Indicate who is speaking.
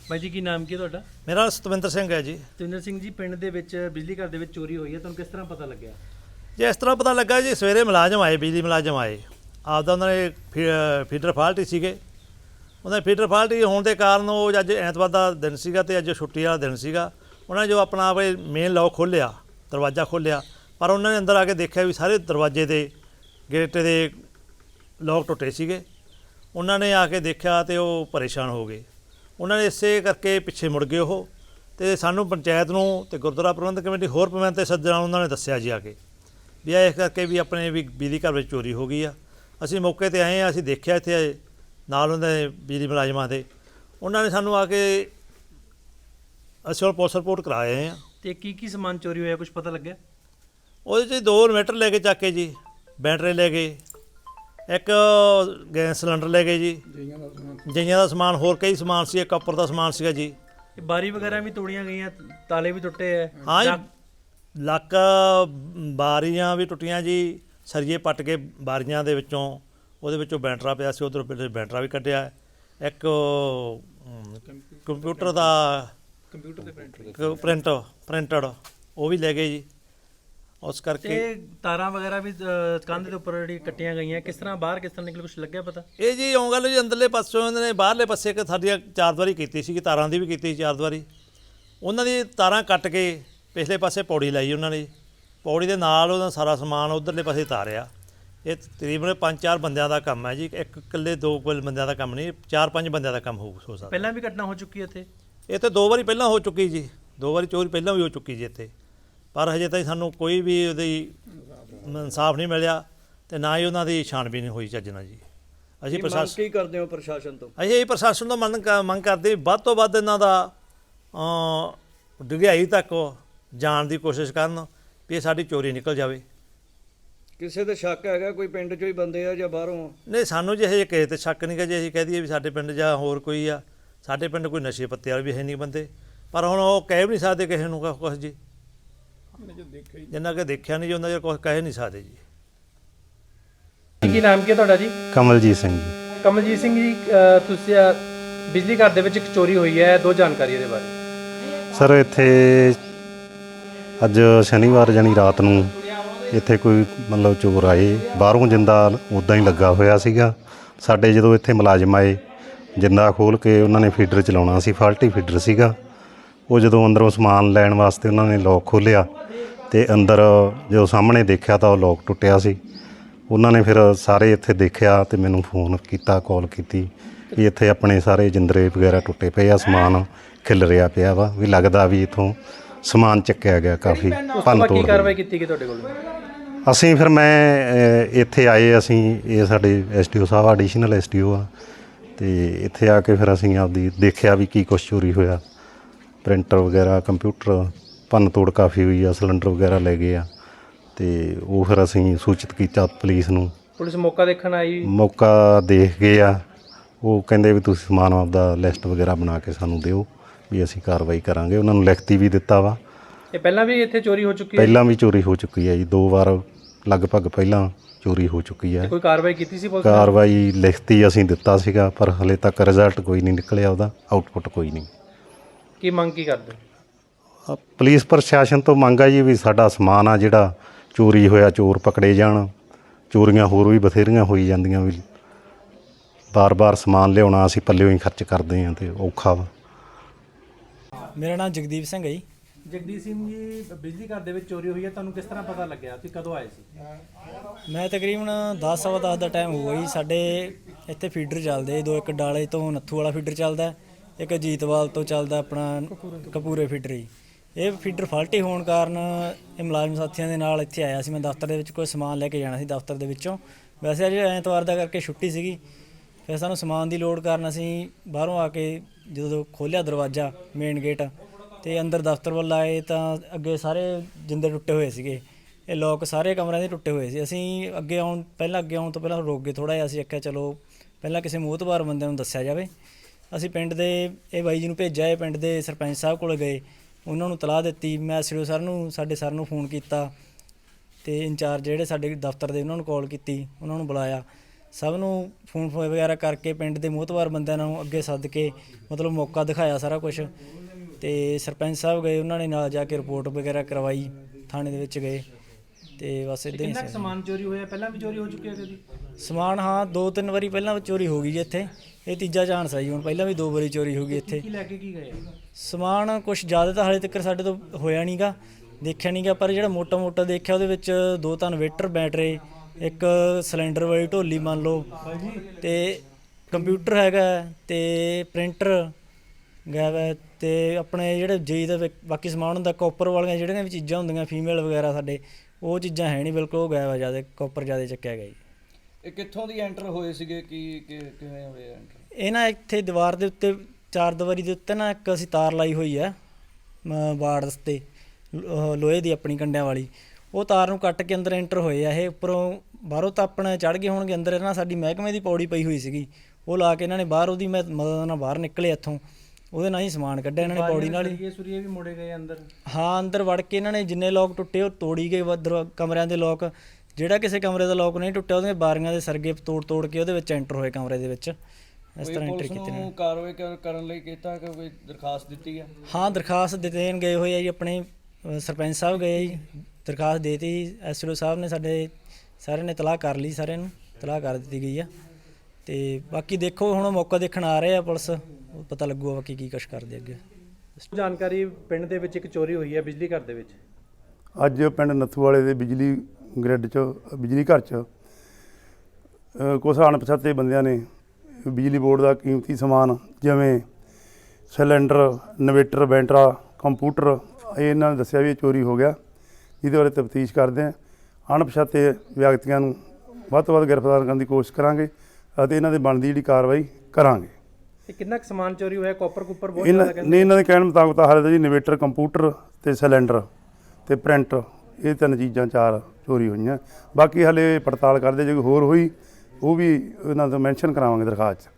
Speaker 1: भाई जी की नाम की ਤੁਹਾਡਾ?
Speaker 2: मेरा सतविंदर सिंह है जी।
Speaker 1: ਸਤਵਿੰਦਰ ਸਿੰਘ ਜੀ, ਪਿੰਡ ਦੇ ਵਿੱਚ ਬਿਜਲੀ ਘਰ ਦੇ ਵਿੱਚ ਚੋਰੀ ਹੋਈ ਹੈ, ਤੁਹਾਨੂੰ ਕਿਸ ਤਰ੍ਹਾਂ ਪਤਾ ਲੱਗਿਆ?
Speaker 2: जी इस तरह पता लगा जी, सवेरे मुलाजम आए, बिजली मुलाजम आए, आपदा उन्होंने फीडर फाल्ट ही सीगे। उन्होंने फीडर फाल्ट ही होने के कारण वो अज ऐतवार का दिन सीगा ते अज छुट्टी वाला दिन सीगा। उन्होंने जो अपना मेन लॉक खोलिया, दरवाज़ा खोलिया, पर उन्होंने अंदर आके देखा भी सारे दरवाजे के गेट के लॉक टुटे सीगे। उन्होंने आके देखा तो वो परेशान हो गए। उन्होंने इसे करके पिछे मुड़ गए वो, तो सानू पंचायत नूं ते गुरुद्वारा प्रबंधक कमेटी होर प्रबंध ते सज्जणा उन्होंने दस्सिया जी आके भी इस करके भी अपने भी बिजली घर में चोरी हो गई आ। असीं मौके ते आए, असीं देखिया इत्थे नाल उन्हां दे बिजली मुलाजमां दे, उन्होंने सानू आके असीं पुलिस रिपोर्ट करा आए हैं।
Speaker 1: ਤੇ ਕੀ ਸਮਾਨ ਚੋਰੀ ਹੋਇਆ, ਕੁਝ ਪਤਾ ਲੱਗਿਆ?
Speaker 2: ਉਹਦੇ 'ਚ 2 ਇਨਵਰਟਰ ਲੈ ਕੇ ਚੱਕ ਕੇ ਜੀ, ਬੈਟਰੀ ਲੈ ਗਏ, ਇੱਕ ਗੈਸ ਸਿਲੰਡਰ ਲੈ ਗਏ ਜੀ, ਜਈਆਂ ਦਾ ਸਮਾਨ, ਹੋਰ ਕਈ ਸਮਾਨ ਸੀ, ਇੱਕ ਉੱਪਰ ਦਾ ਸਮਾਨ ਸੀਗਾ ਜੀ।
Speaker 1: ਬਾਰੀ ਵਗੈਰਾ ਵੀ ਤੋੜੀਆਂ ਗਈਆਂ, ਤਾਲੇ ਵੀ ਟੁੱਟੇ ਹੈ।
Speaker 2: ਹਾਂ ਜੀ, ਲੱਕ ਬਾਰੀਆਂ ਵੀ ਟੁੱਟੀਆਂ ਜੀ, ਸਰੀਏ ਪੱਟ ਕੇ ਬਾਰੀਆਂ ਦੇ ਵਿੱਚੋਂ, ਉਹਦੇ ਵਿੱਚੋਂ ਬੈਟਰਾ ਪਿਆ ਸੀ, ਉੱਧਰੋਂ ਬੈਟਰਾ ਵੀ ਕੱਢਿਆ। ਇੱਕ ਕੰਪਿਊਟਰ ਦਾ ਪ੍ਰਿੰਟਡ ਉਹ ਵੀ ਲੈ ਗਏ ਜੀ। ਉਸ ਕਰਕੇ
Speaker 1: ਤਾਰਾਂ ਵਗੈਰਾ ਵੀ ਕੰਧ ਦੇ ਉੱਪਰ ਜਿਹੜੀ ਕੱਟੀਆਂ ਗਈਆਂ, ਕਿਸ ਤਰ੍ਹਾਂ ਬਾਹਰ ਕਿਸ ਤਰ੍ਹਾਂ ਨਿਕਲ, ਕੁਝ ਲੱਗਿਆ ਪਤਾ?
Speaker 2: ਇਹ ਜੀ ਇਉਂ ਗੱਲ ਜੀ, ਅੰਦਰਲੇ ਪਾਸੋਂ ਇਹਨਾਂ ਨੇ ਬਾਹਰਲੇ ਪਾਸੇ ਇੱਕ ਸਾਡੀਆਂ 4 ਦੀਵਾਰੀ ਕੀਤੀ ਸੀ, ਤਾਰਾਂ ਦੀ ਵੀ ਕੀਤੀ ਸੀ 4 ਦੀਵਾਰੀ। ਉਹਨਾਂ ਦੀ ਤਾਰਾਂ ਕੱਟ ਕੇ ਪਿਛਲੇ ਪਾਸੇ ਪੌੜੀ ਲਾਈ ਉਹਨਾਂ ਨੇ, ਪੌੜੀ ਦੇ ਨਾਲ ਉਹਦਾ ਸਾਰਾ ਸਮਾਨ ਉੱਧਰਲੇ ਪਾਸੇ ਤਾਰਿਆ। ਇਹ ਤਕਰੀਬਨ 5-4 ਬੰਦਿਆਂ ਦਾ ਕੰਮ ਹੈ ਜੀ, ਇੱਕ ਇਕੱਲੇ 2 ਬੰਦਿਆਂ ਦਾ ਕੰਮ ਨਹੀਂ, 4-5 ਬੰਦਿਆਂ ਦਾ ਕੰਮ ਹੋ ਸਕਦਾ।
Speaker 1: ਪਹਿਲਾਂ ਵੀ ਘਟਨਾ ਹੋ ਚੁੱਕੀ ਹੈ ਇੱਥੇ?
Speaker 2: ਇੱਥੇ 2 ਵਾਰੀ ਪਹਿਲਾਂ ਹੋ ਚੁੱਕੀ ਜੀ, 2 ਵਾਰੀ ਚੋਰੀ ਪਹਿਲਾਂ ਵੀ ਹੋ ਚੁੱਕੀ ਜੀ ਇੱਥੇ, ਪਰ ਹਜੇ ਤਾਈਂ ਸਾਨੂੰ ਕੋਈ ਵੀ ਉਹਦੀ ਇਨਸਾਫ ਨਹੀਂ ਮਿਲਿਆ ਤੇ ਨਾ ਹੀ ਉਹਨਾਂ ਦੀ ਛਾਣਬੀਨ ਹੋਈ ਚੱਜ ਨਾਲ ਜੀ। ਅਸੀਂ ਪ੍ਰਸ਼ਾਸਨ
Speaker 1: ਕੀ ਕਰਦੇ ਹੋ ਪ੍ਰਸ਼ਾਸਨ ਤੋਂ?
Speaker 2: ਅਸੀਂ ਇਹ ਪ੍ਰਸ਼ਾਸਨ ਤੋਂ ਮੰਗ ਕਰਦੇ ਵੱਧ ਤੋਂ ਵੱਧ ਇਹਨਾਂ ਦਾ ਡੂੰਘਾਈ ਤੱਕ ਜਾਣ ਦੀ ਕੋਸ਼ਿਸ਼ ਕਰਨ ਵੀ ਇਹ ਸਾਡੀ ਚੋਰੀ ਨਿਕਲ ਜਾਵੇ।
Speaker 1: ਕਿਸੇ ਤੇ ਸ਼ੱਕ ਹੈਗਾ ਕੋਈ ਪਿੰਡ ਚੋਂ ਹੀ ਬੰਦੇ ਆ ਜਾਂ ਬਾਹਰੋਂ?
Speaker 2: ਨਹੀਂ, ਸਾਨੂੰ ਜੇ ਹਜੇ ਕਿਸੇ 'ਤੇ ਸ਼ੱਕ ਨਹੀਂ ਗਾ ਜੀ। ਅਸੀਂ ਕਹਿ ਦਈਏ ਵੀ ਸਾਡੇ ਪਿੰਡ ਜਾਂ ਹੋਰ ਕੋਈ ਆ, ਸਾਡੇ ਪਿੰਡ ਕੋਈ ਨਸ਼ੇ ਪੱਤੇ ਵਾਲੇ ਵੀ ਹੈ ਨਹੀਂ ਬੰਦੇ, ਪਰ ਹੁਣ ਉਹ ਕਹਿ ਵੀ ਨਹੀਂ ਸਕਦੇ ਕਿਸੇ ਨੂੰ ਕੁਛ ਜੀ, ਜਿੰਨਾ ਕਿ ਦੇਖਿਆ ਨਹੀਂ ਜੀ ਉਹਨਾਂ ਚਿਰ ਕੁਛ ਕਹਿ ਨਹੀਂ ਸਕਦੇ ਜੀ।
Speaker 1: ਕੀ ਨਾਮ ਕੀ ਤੁਹਾਡਾ ਜੀ?
Speaker 3: ਕਮਲਜੀਤ ਸਿੰਘ ਜੀ।
Speaker 1: ਕਮਲਜੀਤ ਸਿੰਘ ਜੀ, ਤੁਸੀਂ ਬਿਜਲੀ ਘਰ ਦੇ ਵਿੱਚ ਇੱਕ ਚੋਰੀ ਹੋਈ ਹੈ, 2 ਜਾਣਕਾਰੀ ਇਹਦੇ ਬਾਰੇ।
Speaker 3: ਸਰ ਇੱਥੇ ਅੱਜ ਸ਼ਨੀਵਾਰ ਜਾਨੀ ਰਾਤ ਨੂੰ ਇੱਥੇ ਕੋਈ ਮਤਲਬ ਚੋਰ ਆਏ, ਬਾਹਰੋਂ ਜਿੰਦਾ ਉੱਦਾਂ ਹੀ ਲੱਗਾ ਹੋਇਆ ਸੀਗਾ। ਸਾਡੇ ਜਦੋਂ ਇੱਥੇ ਮੁਲਾਜ਼ਮ ਆਏ, ਜਿੰਦਾ ਖੋਲ੍ਹ ਕੇ ਉਹਨਾਂ ਨੇ ਫੀਡਰ ਚਲਾਉਣਾ ਸੀ, ਫਾਲਟੀ ਫੀਡਰ ਸੀਗਾ। ਉਹ ਜਦੋਂ ਅੰਦਰੋਂ ਸਮਾਨ ਲੈਣ ਵਾਸਤੇ ਉਹਨਾਂ ਨੇ ਲੋਕ ਖੋਲ੍ਹਿਆ ਅਤੇ ਅੰਦਰ ਜਦੋਂ ਸਾਹਮਣੇ ਦੇਖਿਆ ਤਾਂ ਉਹ ਲੋਕ ਟੁੱਟਿਆ ਸੀ। ਉਹਨਾਂ ਨੇ ਫਿਰ ਸਾਰੇ ਇੱਥੇ ਦੇਖਿਆ ਅਤੇ ਮੈਨੂੰ ਫੋਨ ਕੀਤਾ, ਕਾਲ ਕੀਤੀ ਵੀ ਇੱਥੇ ਆਪਣੇ ਸਾਰੇ ਜਿੰਦਰੇ ਵਗੈਰਾ ਟੁੱਟੇ ਪਏ ਆ, ਸਮਾਨ ਖਿਲ ਰਿਹਾ ਪਿਆ ਵਾ, ਵੀ ਲੱਗਦਾ ਵੀ ਇੱਥੋਂ ਸਮਾਨ ਚੱਕਿਆ ਗਿਆ, ਕਾਫੀ ਭੰਨ ਤੋੜ।
Speaker 1: ਕੀ ਕਾਰਵਾਈ ਕੀਤੀ ਗਈ ਤੁਹਾਡੇ ਕੋਲ?
Speaker 3: ਅਸੀਂ ਫਿਰ ਮੈਂ ਇੱਥੇ ਆਏ, ਅਸੀਂ ਇਹ ਸਾਡੇ SDO ਸਾਹਿਬ ਐਡੀਸ਼ਨਲ SDO ਆ, ਅਤੇ ਇੱਥੇ ਆ ਕੇ ਫਿਰ ਅਸੀਂ ਆਪਦੀ ਦੇਖਿਆ ਵੀ ਕੀ ਕੁਛ ਚੋਰੀ ਹੋਇਆ। ਪ੍ਰਿੰਟਰ ਵਗੈਰਾ, ਕੰਪਿਊਟਰ ਭੰਨ ਤੋੜ ਕਾਫੀ ਹੋਈ ਆ, ਸਿਲੰਡਰ ਵਗੈਰਾ ਲੈ ਗਏ ਆ, ਅਤੇ ਉਹ ਫਿਰ ਅਸੀਂ ਸੂਚਿਤ ਕੀਤਾ ਪੁਲਿਸ ਨੂੰ।
Speaker 1: ਪੁਲਿਸ ਮੌਕਾ ਦੇਖਣ ਆਈ?
Speaker 3: ਮੌਕਾ ਦੇਖ ਗਏ ਆ, ਉਹ ਕਹਿੰਦੇ ਵੀ ਤੁਸੀਂ ਸਮਾਨ ਆਪਦਾ ਲਿਸਟ ਵਗੈਰਾ ਬਣਾ ਕੇ ਸਾਨੂੰ ਦਿਓ ਵੀ ਅਸੀਂ ਕਾਰਵਾਈ ਕਰਾਂਗੇ। ਉਹਨਾਂ ਨੂੰ ਲਿਖਤੀ ਵੀ ਦਿੱਤਾ ਵਾ।
Speaker 1: ਇਹ ਪਹਿਲਾਂ ਵੀ ਇੱਥੇ ਚੋਰੀ ਹੋ ਚੁੱਕੀ ਹੈ?
Speaker 3: ਪਹਿਲਾਂ ਵੀ ਚੋਰੀ ਹੋ ਚੁੱਕੀ ਹੈ ਜੀ, 2 ਵਾਰ ਲਗਭਗ ਪਹਿਲਾਂ ਚੋਰੀ ਹੋ ਚੁੱਕੀ ਹੈ।
Speaker 1: ਕੋਈ ਕਾਰਵਾਈ ਕੀਤੀ ਸੀ ਪੁਲਿਸ?
Speaker 3: ਕਾਰਵਾਈ ਲਿਖਤੀ ਅਸੀਂ ਦਿੱਤਾ ਸੀਗਾ, ਪਰ ਹਲੇ ਤੱਕ ਰਿਜ਼ਲਟ ਕੋਈ ਨਹੀਂ ਨਿਕਲਿਆ, ਉਹਦਾ ਆਊਟਪੁੱਟ ਕੋਈ ਨਹੀਂ।
Speaker 1: ਕੀ ਮੰਗ ਕੀ ਕਰਦੇ?
Speaker 3: ਪੁਲਿਸ ਪ੍ਰਸ਼ਾਸਨ ਤੋਂ ਮੰਗ ਹੈ ਜੀ ਵੀ ਸਾਡਾ ਸਮਾਨ ਆ ਜਿਹੜਾ ਚੋਰੀ ਹੋਇਆ, ਚੋਰ ਪਕੜੇ ਜਾਣ। ਚੋਰੀਆਂ ਹੋਰ ਵੀ ਬਥੇਰੀਆਂ ਹੋਈ ਜਾਂਦੀਆਂ, ਵੀ ਬਾਰ-ਬਾਰ ਸਮਾਨ ਲਿਆਉਣਾ ਅਸੀਂ ਪੱਲਿਓਂ ਹੀ ਖਰਚ ਕਰਦੇ ਹਾਂ ਅਤੇ ਔਖਾ ਵਾ।
Speaker 4: ਮੇਰਾ ਨਾਮ ਜਗਦੀਪ ਸਿੰਘ ਹੈ ਜੀ।
Speaker 1: ਜਗਦੀਪ ਸਿੰਘ ਜੀ, ਬਿਜਲੀ ਘਰ ਦੇ ਵਿੱਚ ਚੋਰੀ ਹੋਈ ਹੈ, ਤੁਹਾਨੂੰ ਕਿਸ ਤਰ੍ਹਾਂ ਪਤਾ ਲੱਗਿਆ? ਤੁਸੀਂ ਕਦੋਂ ਆਏ ਸੀ?
Speaker 4: ਮੈਂ ਤਕਰੀਬਨ 10:15 ਦਾ ਟਾਈਮ ਹੋਊਗਾ ਜੀ। ਸਾਡੇ ਇੱਥੇ ਫੀਡਰ ਚੱਲਦੇ 2, ਇੱਕ ਡਾਲੇ ਤੋਂ ਨੱਥੂ ਵਾਲਾ ਫੀਡਰ ਚੱਲਦਾ, ਇੱਕ ਅਜੀਤਵਾਲ ਤੋਂ ਚੱਲਦਾ ਆਪਣਾ ਕਪੂਰੇ ਫੀਡਰ ਜੀ। ਇਹ ਫੀਡਰ ਫਾਲਟੀ ਹੋਣ ਕਾਰਨ ਇਹ ਮੁਲਾਜ਼ਮ ਸਾਥੀਆਂ ਦੇ ਨਾਲ ਇੱਥੇ ਆਇਆ ਸੀ। ਮੈਂ ਦਫ਼ਤਰ ਦੇ ਵਿੱਚ ਕੋਈ ਸਮਾਨ ਲੈ ਕੇ ਜਾਣਾ ਸੀ ਦਫ਼ਤਰ ਦੇ ਵਿੱਚੋਂ। ਵੈਸੇ ਅੱਜ ਐਤਵਾਰ ਦਾ ਕਰਕੇ ਛੁੱਟੀ ਸੀਗੀ, ਫਿਰ ਸਾਨੂੰ ਸਮਾਨ ਦੀ ਲੋੜ ਕਾਰਨ ਅਸੀਂ ਬਾਹਰੋਂ ਆ ਕੇ ਜਦੋਂ ਖੋਲ੍ਹਿਆ ਦਰਵਾਜ਼ਾ ਮੇਨ ਗੇਟ ਅਤੇ ਅੰਦਰ ਦਫ਼ਤਰ ਵੱਲ ਆਏ ਤਾਂ ਅੱਗੇ ਸਾਰੇ ਜਿੰਦੇ ਟੁੱਟੇ ਹੋਏ ਸੀਗੇ। ਇਹ ਲੋਕ ਸਾਰੇ ਕਮਰਿਆਂ ਦੇ ਟੁੱਟੇ ਹੋਏ ਸੀ। ਅਸੀਂ ਅੱਗੇ ਆਉਣ ਤੋਂ ਪਹਿਲਾਂ ਰੁਕ ਗਏ ਥੋੜ੍ਹਾ ਜਿਹਾ। ਅਸੀਂ ਆਖਿਆ ਚਲੋ ਪਹਿਲਾਂ ਕਿਸੇ ਮੋਹਤਬਾਰ ਬੰਦੇ ਨੂੰ ਦੱਸਿਆ ਜਾਵੇ। ਅਸੀਂ ਪਿੰਡ ਦੇ ਇਹ ਬਾਈ ਜੀ ਨੂੰ ਭੇਜਿਆ, ਇਹ ਪਿੰਡ ਦੇ ਸਰਪੰਚ ਸਾਹਿਬ ਕੋਲ ਗਏ, ਉਹਨਾਂ ਨੂੰ ਤਲਾਹ ਦਿੱਤੀ। ਮੈਂ SDO ਸਰ ਨੂੰ, ਸਾਡੇ ਸਰ ਨੂੰ ਫੋਨ ਕੀਤਾ ਅਤੇ ਇੰਚਾਰਜ ਜਿਹੜੇ ਸਾਡੇ ਦਫ਼ਤਰ ਦੇ ਉਹਨਾਂ ਨੂੰ ਕਾਲ ਕੀਤੀ, ਉਹਨਾਂ ਨੂੰ ਬੁਲਾਇਆ ਸਭ ਨੂੰ ਫੋਨ ਵਗੈਰਾ ਕਰਕੇ ਪਿੰਡ ਦੇ ਮੋਹਤਵਾਰ ਬੰਦਿਆਂ ਨੂੰ ਅੱਗੇ ਸੱਦ ਕੇ ਮਤਲਬ ਮੌਕਾ ਦਿਖਾਇਆ ਸਾਰਾ ਕੁਝ। ਤੇ ਸਰਪੰਚ ਸਾਹਿਬ ਗਏ, ਉਹਨਾਂ ਨੇ ਨਾਲ ਜਾ ਕੇ ਰਿਪੋਰਟ ਵਗੈਰਾ ਕਰਵਾਈ, ਥਾਣੇ ਦੇ ਵਿੱਚ ਗਏ ਤੇ ਬਸ ਇਦਾਂ ਹੀ
Speaker 1: ਕਿੰਨਾ ਕੁ ਸਮਾਨ ਚੋਰੀ ਹੋਇਆ? ਪਹਿਲਾਂ ਵੀ ਚੋਰੀ ਹੋ ਚੁੱਕਿਆ ਕਦੀ?
Speaker 4: ਸਮਾਨ ਹਾਂ 2-3 ਵਾਰੀ ਪਹਿਲਾਂ ਚੋਰੀ ਹੋ ਗਈ ਜੀ ਇੱਥੇ, ਇਹ ਤੀਜਾ ਚਾਂਸ ਹੈ ਜੀ। ਹੁਣ ਪਹਿਲਾਂ ਵੀ 2 ਵਾਰੀ ਚੋਰੀ ਹੋ ਗਈ ਇੱਥੇ।
Speaker 1: ਕੀ ਲੈ ਕੇ ਕੀ ਗਏ?
Speaker 4: ਸਮਾਨ ਕੁਝ ਜ਼ਿਆਦਾ ਤਾਂ ਹਾਲੇ ਤੱਕ ਸਾਡੇ ਤੋਂ ਹੋਇਆ ਨਹੀਂਗਾ, ਦੇਖਿਆ ਨਹੀਂਗਾ, ਪਰ ਜਿਹੜਾ ਮੋਟਾ ਮੋਟਾ ਦੇਖਿਆ ਉਹਦੇ ਵਿੱਚ 2 ਇਨਵੇਟਰ ਬੈਟਰੀ, ਇੱਕ ਸਿਲੰਡਰ ਵਾਲੀ ਢੋਲੀ ਮੰਨ ਲਓ, ਤੇ ਕੰਪਿਊਟਰ ਹੈਗਾ ਤੇ ਪ੍ਰਿੰਟਰ ਗਾਇਬ ਹੈ, ਤੇ ਆਪਣੇ ਜਿਹੜੇ ਜੀ ਦਾ ਬਾਕੀ ਸਮਾਨ ਹੁੰਦਾ ਕਾਪਰ ਵਾਲੀਆਂ ਜਿਹੜੀਆਂ ਵੀ ਚੀਜ਼ਾਂ ਹੁੰਦੀਆਂ ਫੀਮੇਲ ਵਗੈਰਾ ਸਾਡੇ, ਉਹ ਚੀਜ਼ਾਂ ਹੈ ਨਹੀਂ ਬਿਲਕੁਲ, ਉਹ ਗਾਇਬ ਹੈ, ਜ਼ਿਆਦਾ ਕਾਪਰ ਜ਼ਿਆਦਾ ਚੱਕਿਆ ਗਿਆ ਜੀ।
Speaker 5: ਇਹ ਕਿੱਥੋਂ ਦੀ ਐਂਟਰ ਹੋਏ ਸੀਗੇ, ਕਿਵੇਂ ਹੋਏ ਐਂਟਰ?
Speaker 4: ਇਹ ਨਾ ਇੱਥੇ ਦੀਵਾਰ ਦੇ ਉੱਤੇ 4 ਦੀਵਾਰੀ ਦੇ ਉੱਤੇ ਨਾ ਇੱਕ ਅਸੀਂ ਤਾਰ ਲਾਈ ਹੋਈ ਹੈ ਵਾਰਡਸ 'ਤੇ ਲੋਹੇ ਦੀ ਆਪਣੀ ਕੰਡਿਆਂ ਵਾਲੀ, ਉਹ ਤਾਰ ਨੂੰ ਕੱਟ ਕੇ ਅੰਦਰ ਐਂਟਰ ਹੋਏ ਆ ਇਹ। ਉੱਪਰੋਂ ਬਾਹਰੋਂ ਤਾਂ ਆਪਣੇ ਚੜ੍ਹ ਗਏ ਹੋਣਗੇ ਅੰਦਰ, ਇਹਨਾਂ ਸਾਡੀ ਮਹਿਕਮੇ ਦੀ ਪੌੜੀ ਪਈ ਹੋਈ ਸੀਗੀ, ਉਹ ਲਾ ਕੇ ਇਹਨਾਂ ਨੇ ਬਾਹਰ ਉਹਦੀ ਮਦਦ ਨਾਲ ਬਾਹਰ ਨਿਕਲੇ ਇੱਥੋਂ, ਉਹਦੇ ਨਾਲ ਹੀ ਸਮਾਨ ਕੱਢਿਆ ਇਹਨਾਂ ਨੇ ਪੌੜੀ ਨਾਲ ਹੀ।
Speaker 1: ਸਰੀਏ ਵੀ ਮੋੜੇ ਗਏ ਅੰਦਰ?
Speaker 4: ਹਾਂ, ਅੰਦਰ ਵੜ ਕੇ ਇਹਨਾਂ ਨੇ ਜਿੰਨੇ ਲੋਕ ਟੁੱਟੇ ਉਹ ਤੋੜੀ ਗਏ, ਕਮਰਿਆਂ ਦੇ ਲੋਕ, ਜਿਹੜਾ ਕਿਸੇ ਕਮਰੇ ਦਾ ਲੋਕ ਨਹੀਂ ਟੁੱਟਿਆ ਉਹਦੇ ਬਾਰੀਆਂ ਦੇ ਸਰਗੇ ਤੋੜ ਕੇ ਉਹਦੇ ਵਿੱਚ ਐਂਟਰ ਹੋਏ ਕਮਰੇ ਦੇ ਵਿੱਚ, ਇਸ ਤਰ੍ਹਾਂ ਐਂਟਰ ਕੀਤੇ ਨੇ।
Speaker 5: ਕਾਰਵਾਈ ਕਰਨ ਲਈ ਕੀਤਾ ਕਿ ਕੋਈ ਦਰਖਾਸਤ ਦਿੱਤੀ ਹੈ?
Speaker 4: ਹਾਂ, ਦਰਖਾਸਤ ਦੇਣ ਗਏ ਹੋਏ ਆ ਜੀ, ਆਪਣੇ ਸਰਪੰਚ ਸਾਹਿਬ ਗਏ ਜੀ, ਦਰਖਾਸਤ ਦੇਤੀ, ਐਸਡੀਓ ਸਾਹਿਬ ਨੇ ਸਾਡੇ ਸਾਰਿਆਂ ਨੇ ਤਲਾਹ ਕਰ ਲਈ, ਸਾਰਿਆਂ ਨੂੰ ਤਲਾਹ ਕਰ ਦਿੱਤੀ ਗਈ ਆ। ਤੇ ਬਾਕੀ ਦੇਖੋ ਹੁਣ ਮੌਕਾ ਦੇਖਣ ਆ ਰਹੇ ਆ ਪੁਲਿਸ, ਉਹ ਪਤਾ ਲੱਗੂਗਾ ਬਾਕੀ ਕੀ ਕੁਛ ਕਰਦੇ ਅੱਗੇ।
Speaker 1: ਜਾਣਕਾਰੀ, ਪਿੰਡ ਦੇ ਵਿੱਚ ਇੱਕ ਚੋਰੀ ਹੋਈ ਹੈ ਬਿਜਲੀ ਘਰ ਦੇ ਵਿੱਚ।
Speaker 6: ਅੱਜ ਪਿੰਡ ਨੱਥੂ ਵਾਲੇ ਦੇ ਬਿਜਲੀ ਗ੍ਰਿਡ 'ਚ, ਬਿਜਲੀ ਘਰ 'ਚ ਕੁਛ ਅਣਪਛਾਤੇ ਬੰਦਿਆਂ ਨੇ ਬਿਜਲੀ ਬੋਰਡ ਦਾ ਕੀਮਤੀ ਸਮਾਨ ਜਿਵੇਂ ਸਿਲੰਡਰ, ਇਨਵੇਟਰ, ਬੈਟਰਾ, ਕੰਪਿਊਟਰ, ਇਹਨਾਂ ਨੇ ਦੱਸਿਆ ਵੀ ਇਹ ਚੋਰੀ ਹੋ ਗਿਆ, ਜਿਹਦੇ ਬਾਰੇ ਤਫਤੀਸ਼ ਕਰਦੇ ਹਾਂ। ਅਣਪਛਾਤੇ ਵਿਅਕਤੀਆਂ ਨੂੰ ਵੱਧ ਤੋਂ ਵੱਧ ਗ੍ਰਿਫਤਾਰ ਕਰਨ ਦੀ ਕੋਸ਼ਿਸ਼ ਕਰਾਂਗੇ ਅਤੇ ਇਹਨਾਂ ਦੇ ਬਣਦੀ ਜਿਹੜੀ ਕਾਰਵਾਈ ਕਰਾਂਗੇ।
Speaker 1: ਇਹ ਕਿੰਨਾ ਕੁ ਸਮਾਨ ਚੋਰੀ ਹੋਇਆ? ਕਾਪਰ ਕੁੱਪਰ ਬਹੁਤ
Speaker 6: ਇਹਨਾਂ
Speaker 1: ਜ਼ਿਆਦਾ
Speaker 6: ਨੇ, ਇਹਨਾਂ ਦੇ ਕਹਿਣ ਮੁਤਾਬਕ ਤਾਂ ਹਾਲੇ ਤਾਂ ਜੀ ਇਨਵੇਟਰ, ਕੰਪਿਊਟਰ ਤੇ ਸਿਲੰਡਰ ਤੇ ਪ੍ਰਿੰਟ, ਇਹ 3 ਚੀਜ਼ਾਂ 4 ਚੋਰੀ ਹੋਈਆਂ। ਬਾਕੀ ਹਾਲੇ ਪੜਤਾਲ ਕਰਦੇ, ਜੇ ਕੋਈ ਹੋਰ ਹੋਈ ਉਹ ਵੀ ਇਹਨਾਂ ਤੋਂ ਮੈਂਸ਼ਨ ਕਰਾਵਾਂਗੇ ਦਰਖਾਸਤ 'ਚ।